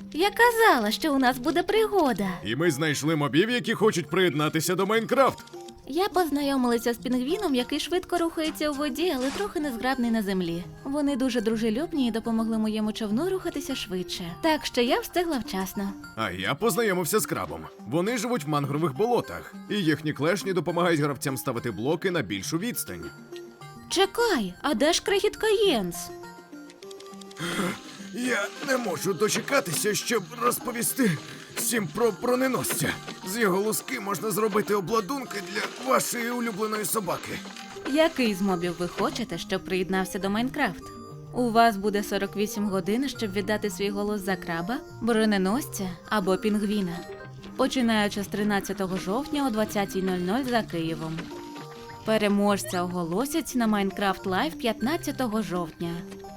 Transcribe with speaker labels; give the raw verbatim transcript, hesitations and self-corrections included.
Speaker 1: Я казала, що у нас буде пригода.
Speaker 2: І ми знайшли мобів, які хочуть приєднатися до Майнкрафт.
Speaker 1: Я познайомилася з пінгвіном, який швидко рухається у воді, але трохи незграбний на землі. Вони дуже дружелюбні і допомогли моєму човну рухатися швидше. Так що я встигла вчасно.
Speaker 2: А я познайомився з крабом. Вони живуть в мангрових болотах, і їхні клешні допомагають гравцям ставити блоки на більшу відстань.
Speaker 1: Чекай, а де ж крихітка Єнс?
Speaker 2: Я не можу дочекатися, щоб розповісти всім про броненосця. З його луски можна зробити обладунки для вашої улюбленої собаки.
Speaker 1: Який з мобів ви хочете, щоб приєднався до Майнкрафт? У вас буде сорок вісім годин, щоб віддати свій голос за краба, броненосця або пінгвіна. Починаючи з тринадцятого жовтня о двадцятій нуль нуль за Києвом. Переможця оголосять на Майнкрафт Лайв п'ятнадцятого жовтня.